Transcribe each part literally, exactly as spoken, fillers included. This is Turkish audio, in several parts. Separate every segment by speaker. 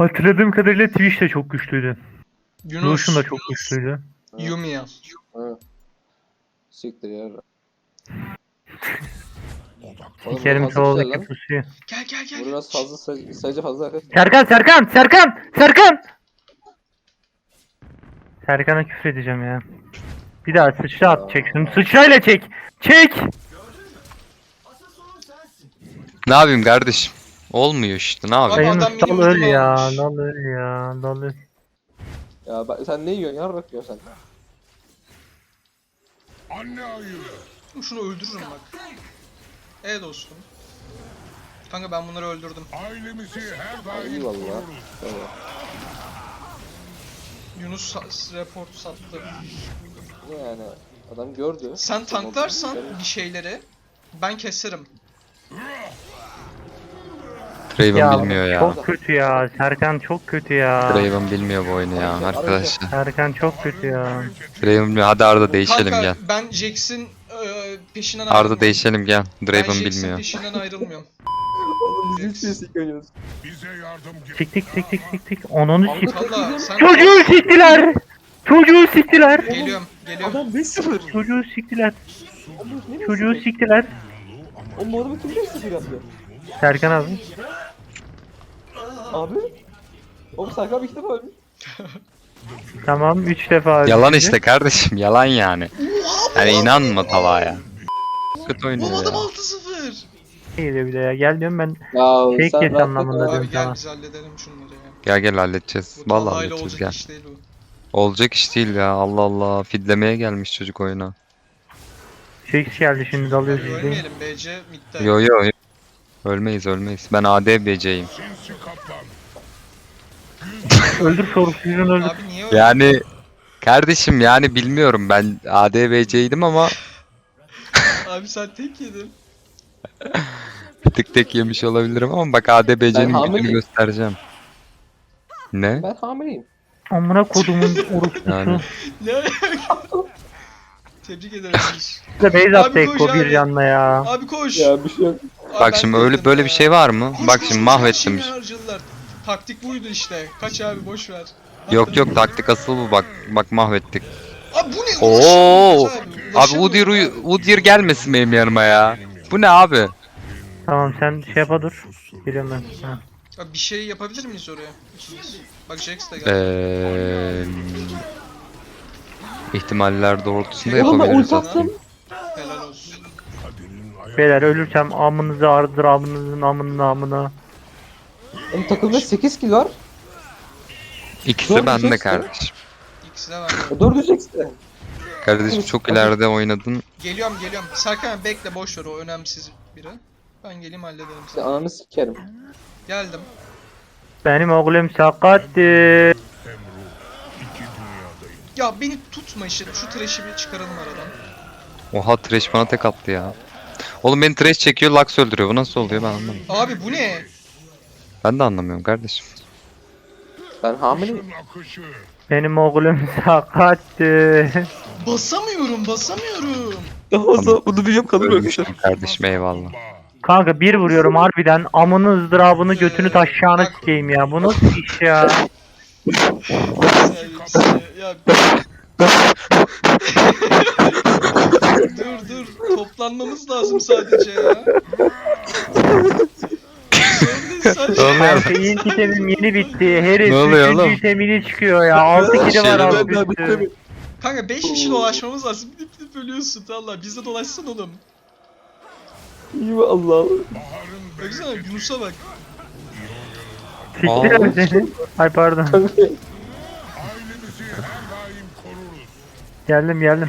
Speaker 1: Hatırladığım kadarıyla Twitch de çok güçlüydü.
Speaker 2: Yunus.
Speaker 1: Notion da çok güçlüydü.
Speaker 2: Yumi al.
Speaker 3: Ha. Siktir ya.
Speaker 1: Sikerim Taval'daki pusuyu.
Speaker 2: Gel gel gel.
Speaker 3: Bu biraz fazla say sayıca fazla arkadaşlar.
Speaker 1: Serkan Serkan Serkan Serkan! Serkan'a küfür edeceğim ya. Bir daha sıçra at çek şunu. Sıçrayla çek. Çek!
Speaker 4: Ne yapayım kardeşim? Olmuyor işte, ne yapayım?
Speaker 2: Abi adam
Speaker 1: Sayın
Speaker 2: benim
Speaker 1: dal öl
Speaker 2: ödümü
Speaker 1: ya.
Speaker 2: almış.
Speaker 1: Dal öl ya. Dal öl.
Speaker 3: Ya bak sen ne yiyorsun? Yarrak yiyorsun sen.
Speaker 2: Şunu öldürürüm bak. E dostum. Kanka ben bunları öldürdüm.
Speaker 5: Ailemizi her daim
Speaker 3: Eyvallah.
Speaker 5: koruruz.
Speaker 3: Evet.
Speaker 2: Yunus sa- report sattı.
Speaker 3: Ne yani? Adam gördü.
Speaker 2: Sen tanklarsan bir şeyleri ben keserim.
Speaker 4: Draven
Speaker 1: Ya
Speaker 4: bilmiyor ya.
Speaker 1: çok kötü ya. Serkan çok kötü ya.
Speaker 4: Draven bilmiyor bu oyunu ya arkadaşlar.
Speaker 1: Serkan çok kötü ya.
Speaker 4: Draven bilmiyor. Hadi Arda değişelim
Speaker 2: Kanka
Speaker 4: gel.
Speaker 2: ben Jax'in e, peşinden ayrılmıyorum.
Speaker 4: Arda değişelim gel.
Speaker 2: Ben
Speaker 4: Draven
Speaker 2: Jax'in
Speaker 4: bilmiyor.
Speaker 2: peşinden ayrılmıyorum.
Speaker 3: Oğlum biz hiç şey sikiyoruz.
Speaker 5: Bize yardım ge-
Speaker 1: Siktik siktik siktik. Onunu sik.
Speaker 2: Valla sen...
Speaker 1: Çocuğu siktiler. Çocuğu siktiler.
Speaker 2: Geliyorum, geliyorum.
Speaker 3: Adam beş sıfır.
Speaker 1: Çocuğu siktiler.
Speaker 3: Oğlum ne
Speaker 1: Çocuğu siktiler.
Speaker 3: Oğlum bu adamı kim beş sıfır yaptı?
Speaker 1: Serkan abi.
Speaker 3: Abi. Oğlum Serkan abi iki defa ölmüş.
Speaker 1: Tamam üç defa.
Speaker 4: Yalan
Speaker 1: öldürdü.
Speaker 4: işte kardeşim, yalan yani. Yani inanma Talha'ya. Kötü oynuyor
Speaker 2: Oğlum adam
Speaker 4: ya.
Speaker 2: altı sıfır.
Speaker 1: Geliyor bir de ya. Gel diyorum ben.
Speaker 3: Ya
Speaker 1: Tek
Speaker 3: sen
Speaker 1: kes
Speaker 3: rahat
Speaker 1: anlamında
Speaker 3: bak
Speaker 1: diyorum.
Speaker 2: Abi gel
Speaker 1: sana.
Speaker 2: biz halledelim şunları ya.
Speaker 4: Gel gel halledeceğiz.
Speaker 2: Bu
Speaker 4: Vallahi
Speaker 2: Talha'yla
Speaker 4: halledeceğiz
Speaker 2: olacak
Speaker 4: gel.
Speaker 2: iş değil bu.
Speaker 4: Olacak iş değil ya, Allah Allah. Fidlemeye gelmiş çocuk oyuna.
Speaker 1: Jax geldi şimdi dalıyor
Speaker 2: Abi
Speaker 1: sizi.
Speaker 2: ölmeyelim B C midde.
Speaker 4: Yo yo yo. Ölmeyiz ölmeyiz. Ben A D B C'yim.
Speaker 5: Sinsi kaplan.
Speaker 1: Öldür sorumsuzun öldür.
Speaker 2: Abi niye öyle?
Speaker 4: Yani kardeşim yani bilmiyorum, ben A D B C'ydim ama
Speaker 2: Abi sen tek yedin.
Speaker 4: bir tık tek yemiş olabilirim ama bak A D B
Speaker 3: Ben
Speaker 4: C'nin gücünü
Speaker 3: hamileyim.
Speaker 4: göstereceğim. Ne?
Speaker 3: Ben hamileyim.
Speaker 1: Amına kodumun orospusu.
Speaker 4: Yani.
Speaker 2: Ne alaka? Tebrik ederim. Yunus.
Speaker 1: Size base
Speaker 2: Abi
Speaker 1: attı
Speaker 2: koş
Speaker 1: Ekko bir
Speaker 2: abi.
Speaker 1: canla ya.
Speaker 2: Abi koş.
Speaker 3: Ya bir şey yok.
Speaker 2: Abi
Speaker 4: Bak
Speaker 2: ben
Speaker 4: şimdi
Speaker 2: de
Speaker 4: öyle
Speaker 2: yedim
Speaker 4: böyle
Speaker 2: ya.
Speaker 4: bir şey var mı?
Speaker 2: Koş,
Speaker 4: Bak
Speaker 2: koş,
Speaker 4: şimdi
Speaker 2: koş, her
Speaker 4: mahvettim.
Speaker 2: şeyini harcadılar. Taktik buydu işte. Kaç abi boş ver.
Speaker 4: Yok yok, taktik asıl bu, bak bak mahvettik.
Speaker 2: Abi bu ne?
Speaker 4: Oo!
Speaker 2: Ulaşamıyoruz
Speaker 4: Abi
Speaker 2: ulaşamıyoruz
Speaker 4: Udyr
Speaker 2: abi.
Speaker 4: Udyr gelmesin benim yanıma ya. Bu ne abi?
Speaker 1: Tamam sen şey yapa dur. Geliyorum ben. Ha.
Speaker 2: Abi bir şey yapabilir miyiz oraya? İkimiz. Bak Jax da geldi.
Speaker 4: Eee ihtimaller doğrultusunda
Speaker 3: Oğlum ben
Speaker 4: yapabiliriz
Speaker 3: ulti
Speaker 4: aslında.
Speaker 3: attım.
Speaker 2: Helal olsun.
Speaker 1: Beyler ölürsem amınızı ardır amınızın amının amına.
Speaker 3: Oğlum takımda sekiz kill var.
Speaker 4: İkisi
Speaker 3: Doğru
Speaker 4: bende
Speaker 3: diyeceksin.
Speaker 4: kardeşim.
Speaker 2: İkisi de bende.
Speaker 3: dört işte.
Speaker 4: Kardeşim çok ileride oynadın.
Speaker 2: Geliyorum geliyorum. Serkan abi bekle boş ver, o önemsiz biri. Ben geleyim hallederim
Speaker 3: İşte
Speaker 2: seni.
Speaker 3: ananı sikerim.
Speaker 2: Geldim.
Speaker 1: Benim oğlum sakattı.
Speaker 2: Ya beni tutma işte. Şu trash'i bir çıkaralım aradan.
Speaker 4: Oha, Thresh bana tek attı ya. Oğlum beni Thresh çekiyor, Lux öldürüyor. Bu nasıl oluyor ben anlamadım.
Speaker 2: Abi bu ne?
Speaker 4: Ben de anlamıyorum kardeşim.
Speaker 3: Ben hamileyim.
Speaker 5: Akışı.
Speaker 1: Benim oğlum sakattı.
Speaker 2: Basamıyorum basamıyorum.
Speaker 3: Daha da bunu biliyorum kalır
Speaker 4: Ölmüşüm kardeşim, eyvallah.
Speaker 1: Kanka bir vuruyorum harbiden amını ızdırabını götünü taşacağını sikeyim ya. Bu nasıl iş ya?
Speaker 2: Ya, dur dur, toplanmamız lazım sadece ya. Sen
Speaker 4: Ne oluyor?
Speaker 1: Kanka ilk itemim yeni bitti. Herif
Speaker 4: Ne oluyor
Speaker 1: üçüncü
Speaker 4: oğlum?
Speaker 1: itemini çıkıyor ya. altı kili var
Speaker 4: Şeyler-
Speaker 1: alt üstü.
Speaker 2: Kanka beş kişi dolaşmamız lazım. Gidip gidip ölüyorsun valla. Biz de dolaşsın oğlum.
Speaker 3: İyi mi Allah?
Speaker 2: Baksana Yunus'a bak.
Speaker 1: Siktir seni. Ay pardon.
Speaker 5: Ailemizi her daim koruruz.
Speaker 1: Geldim geldim.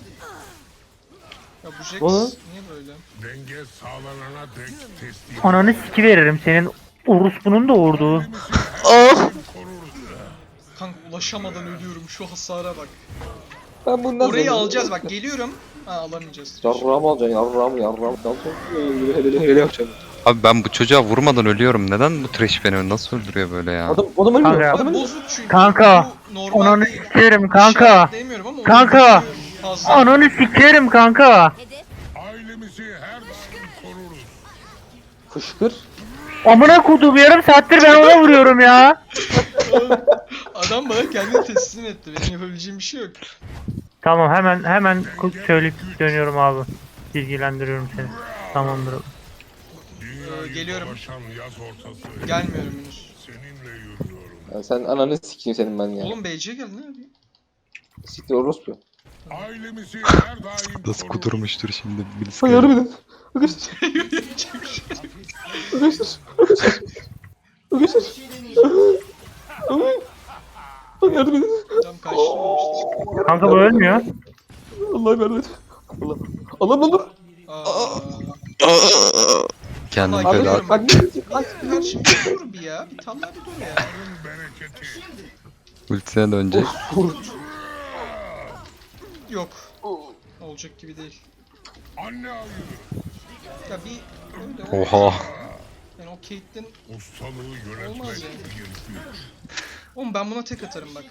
Speaker 2: Ya bu Jax
Speaker 3: Oğlum.
Speaker 2: niye böyle?
Speaker 5: Denge sağlanana dek teslim.
Speaker 1: Ananı siki veririm senin orospunun da vurduğu.
Speaker 3: Ah!
Speaker 2: Kanka ulaşamadan ölüyorum, şu hasara bak.
Speaker 3: Ben bundan
Speaker 2: Orayı
Speaker 3: sonra-
Speaker 2: alacağız bak, geliyorum. Ha alamayacağız.
Speaker 3: Yarrağım alacaksın yarrağım yarrağım. Hele hele hele yapacağım.
Speaker 4: Abi ben bu çocuğa vurmadan ölüyorum. Neden bu Thresh beni nasıl öldürüyor böyle ya?
Speaker 3: Adam adam ölmüyor.
Speaker 1: Kanka.
Speaker 3: Adam
Speaker 2: Abi
Speaker 3: ölmüyor.
Speaker 2: bozuk çünkü.
Speaker 1: Kanka,
Speaker 2: Bu normal
Speaker 1: Ananı
Speaker 2: değil.
Speaker 1: sikerim kanka.
Speaker 2: Demiyorum ama
Speaker 1: Kanka.
Speaker 2: Fazla.
Speaker 1: Ananı sikerim kanka.
Speaker 5: Ailemizi her daim koruruz.
Speaker 3: Fışkır.
Speaker 1: Amına koduğum yarım saattir ben ona vuruyorum ya.
Speaker 2: Adam bana kendini teslim etti. Benim yapabileceğim bir şey yok.
Speaker 1: Tamam hemen hemen ku- söyleyip dönüyorum abi. Bilgilendiriyorum seni. Tamamdır.
Speaker 5: Dünyayı
Speaker 2: geliyorum.
Speaker 5: dolaşan yaz ortası.
Speaker 2: Gelmiyorum henüz.
Speaker 5: Seninle yürüyorum.
Speaker 3: Ya sen ananı sikeyim senin ben ya.
Speaker 2: Oğlum B C'ye gel ne yapayım?
Speaker 3: Siktir orospu.
Speaker 5: Ailemizi her daim
Speaker 4: Nasıl
Speaker 5: koruruz.
Speaker 4: kuturmuştur şimdi birisi.
Speaker 3: Sen yardım edin. Arkadaşlar.
Speaker 2: Yürüyecek bir şey yok.
Speaker 3: Arkadaşlar. Arkadaşlar. Arkadaşlar. Yardım edin.
Speaker 2: Tam kaçtım.
Speaker 1: Kanka bu ölmüyor.
Speaker 3: Allah'ım yardım et. Allah. Allah'ım olur.
Speaker 2: Aa.
Speaker 4: Kendim
Speaker 2: Vallahi
Speaker 4: feda.
Speaker 2: geliyorum.
Speaker 3: Bak ne diyecek? Bak.
Speaker 2: Kardeşim bir dur bir ya. Bir tam bir dur ya.
Speaker 5: Yarın bereketi.
Speaker 4: Ultisine dönecek.
Speaker 2: Yok. Olacak gibi değil.
Speaker 5: Anne ayı.
Speaker 2: Ya bir öyle
Speaker 4: Oha.
Speaker 2: Yani o Caitlyn
Speaker 5: Ustalığı
Speaker 2: olmaz
Speaker 5: yönetmek
Speaker 2: yani.
Speaker 5: bir güç.
Speaker 2: Oğlum ben buna tek atarım bak.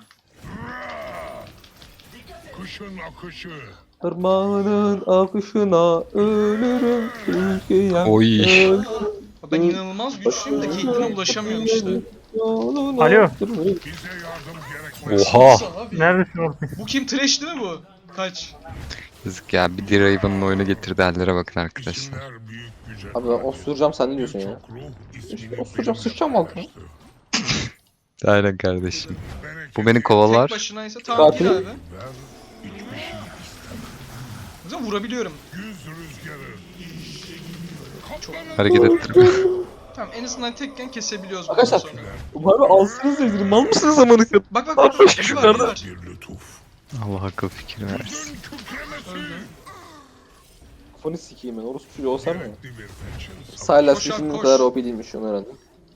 Speaker 5: Kışın akışı.
Speaker 3: Irmağının akışına ölürüm ülkeye.
Speaker 4: Oy.
Speaker 3: ölürüm
Speaker 2: Ben inanılmaz güçlüyüm de Caitlyn'e ulaşamıyorum işte.
Speaker 3: yoluna.
Speaker 1: Alo.
Speaker 3: Dur, dur.
Speaker 5: Bize yardım gerekmez.
Speaker 4: Oha.
Speaker 2: Abi.
Speaker 1: Neredesin oğlum?
Speaker 2: Bu kim? Trash değil mi bu? Kaç?
Speaker 4: Yazık ya, bir Draven'ın oyunu getirdi hallere bakın arkadaşlar.
Speaker 5: İsimler büyük güce.
Speaker 3: Abi ben osuracağım sen ne diyorsun ya?
Speaker 5: Çok ruh ismini
Speaker 3: Osuracağım sıçacağım altına.
Speaker 4: Aynen kardeşim.
Speaker 5: Bereket
Speaker 4: Bu beni
Speaker 2: Tek
Speaker 4: kovalar.
Speaker 2: başınaysa tamam gir
Speaker 3: Katil.
Speaker 2: abi.
Speaker 5: ver, hiçbir şey
Speaker 2: Güzel vurabiliyorum.
Speaker 5: Yüz rüzgarı. Kaplanın
Speaker 4: Hareket ettirme.
Speaker 2: Tamam en azından tekken kesebiliyoruz bundan
Speaker 3: Arkadaşlar.
Speaker 2: sonra.
Speaker 3: Abi alsınız izini. Mal mısınız amanı kadar?
Speaker 2: Bak bak bak. Bir var bir var.
Speaker 5: bir lütuf.
Speaker 4: Allah akıl fikir versin.
Speaker 5: Gün kükremesi.
Speaker 2: Öldü.
Speaker 3: Kafanı sikeyim ben. Orospu çocuğu olsam mı?
Speaker 5: Gerekli bir fetch'in
Speaker 3: Silas
Speaker 2: Koş abi,
Speaker 3: sesinin bu
Speaker 2: koş.
Speaker 3: kadar O P değilmiş onu öğrendim.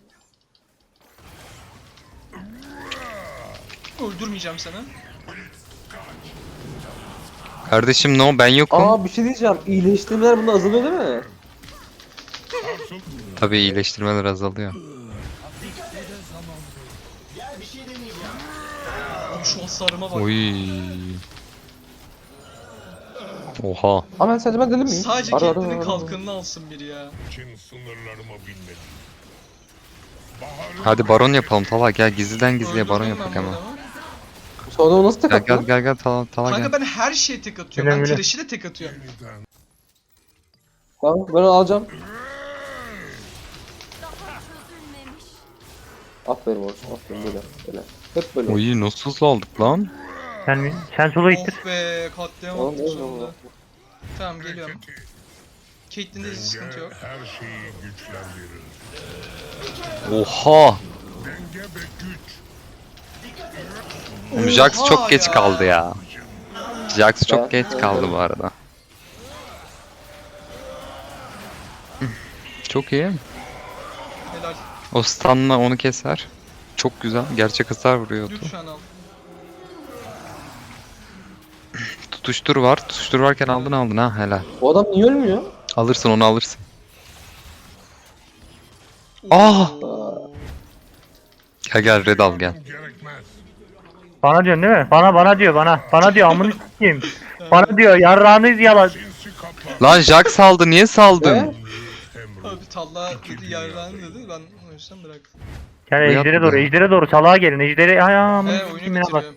Speaker 2: Öldürmeyeceğim seni.
Speaker 4: Kardeşim no, ben yokum.
Speaker 3: Aa bir şey diyeceğim. İyileştirmeler bunda azalıyor değil mi?
Speaker 5: sarsıldı.
Speaker 4: Tabii iyileştirmeler azalıyor.
Speaker 2: Abi şu hasarıma bak.
Speaker 4: Oy. Oha.
Speaker 3: Ama ben sadece ben deli miyim?
Speaker 2: Sadece
Speaker 3: Ara, ara,
Speaker 2: Caitlyn'in
Speaker 3: ara.
Speaker 2: kalkanını alsın biri ya.
Speaker 5: için sınırlarıma binmedim. Baharın
Speaker 4: Hadi baron yapalım Talha, gel gizliden gizliye baron
Speaker 2: Öldürdüm ben
Speaker 4: yapak hemen.
Speaker 2: bu adamı.
Speaker 3: Sonra o nasıl tek
Speaker 4: Gel
Speaker 3: attı?
Speaker 4: gel gel gel Talha, Talha
Speaker 2: Kanka
Speaker 4: gel.
Speaker 2: ben her şeye tek atıyorum.
Speaker 1: Güle
Speaker 2: Ben
Speaker 1: güle.
Speaker 2: Trash'i de tek atıyorum.
Speaker 5: yeniden
Speaker 3: Tamam ben onu alacağım. Aferin olsun. Aferin böyle. Böyle. Hep böyle.
Speaker 4: Oy nasıl hızlı aldık lan?
Speaker 1: Sen, sen sola ittir.
Speaker 2: Of be katliam
Speaker 3: Oğlum,
Speaker 2: attık
Speaker 3: oğlum,
Speaker 2: sonunda.
Speaker 3: oğlum.
Speaker 2: Tamam geliyorum.
Speaker 5: bereketi.
Speaker 2: Caitlyn'de hiç sıkıntı yok.
Speaker 5: Denge her şeyi güçlendirir.
Speaker 4: Oha.
Speaker 5: Denge ve güç.
Speaker 4: Oğlum, Jax
Speaker 2: Oha
Speaker 4: çok geç
Speaker 2: ya.
Speaker 4: kaldı ya. Jax çok
Speaker 3: Ben-
Speaker 4: geç kaldı bu arada. Çok iyi.
Speaker 2: Helal.
Speaker 4: O stun'la onu keser. Çok güzel. Gerçek hasar vuruyordu.
Speaker 2: Lütfen al.
Speaker 4: Tutuştur var. Tutuştur varken aldın aldın ha, helal.
Speaker 3: O adam niye ölmüyor?
Speaker 4: Alırsın onu, alırsın. Ah!
Speaker 2: Oo.
Speaker 4: Gel gel red al gel.
Speaker 5: Gerekmez.
Speaker 1: Bana diyorsun değil mi? Bana bana diyor bana. Bana diyor amını sikeyim. Bana diyor yarrağını yalan.
Speaker 5: Sinsi kaplan.
Speaker 4: Lan Jax saldı, niye saldın?
Speaker 3: Ne?
Speaker 5: Emru.
Speaker 2: Abi Talha dedi yarrağını dedi ben o yüzden bıraktım.
Speaker 1: Gel
Speaker 4: Bu
Speaker 1: ejdere
Speaker 4: yapma.
Speaker 1: doğru, ejdere doğru. Salağa gelin. Ejdere ay amını
Speaker 2: He
Speaker 1: sikeyim
Speaker 2: oyunu
Speaker 1: ya bak.
Speaker 2: bitiriyorum.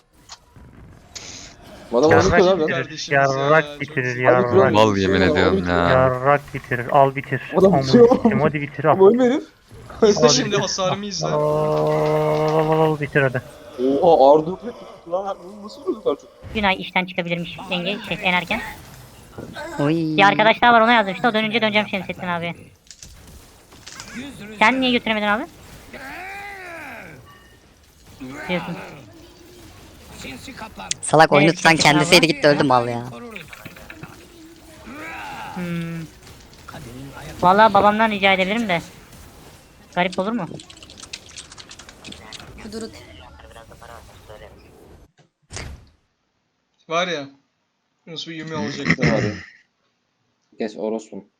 Speaker 3: Bu adam onu
Speaker 1: Yarrak
Speaker 3: tutuyor lan.
Speaker 1: bitirir.
Speaker 2: Kardeşimiz ya,
Speaker 1: Yarrak
Speaker 2: çok
Speaker 1: bitirir.
Speaker 2: iyi.
Speaker 3: Hadi kral.
Speaker 1: Yarrak.
Speaker 4: Mal yemin ediyorum ya.
Speaker 1: Yarrak bitirir. Al bitir.
Speaker 3: Adam
Speaker 1: Amını
Speaker 3: bitiyor.
Speaker 1: sikeyim, hadi bitir al.
Speaker 3: Bu ölme herif.
Speaker 2: İzle
Speaker 1: Abi.
Speaker 2: şimdi hasarımı izle.
Speaker 1: Al, al, al, al, bitir hadi.
Speaker 3: Oha Arda lan bu nasıl vurdu kadar çok?
Speaker 6: Günay işten çıkabilirmiş yenge şey en erken. Bir arkadaş daha var ona yazdım işte o dönünce döneceğim Şemsettin abi. Sen niye götüremedin abi? Diyorsun.
Speaker 7: Salak oyunu
Speaker 6: Evet,
Speaker 7: tutan
Speaker 6: çok
Speaker 7: kendisiydi
Speaker 6: güzel
Speaker 7: gitti öldü mal ya.
Speaker 6: Hmm. Vallahi babamdan rica edebilirim de. Garip olur mu?
Speaker 2: Var ya. Yunus bir Yumi olacaktı.
Speaker 3: Ne var ya? Geç orospum.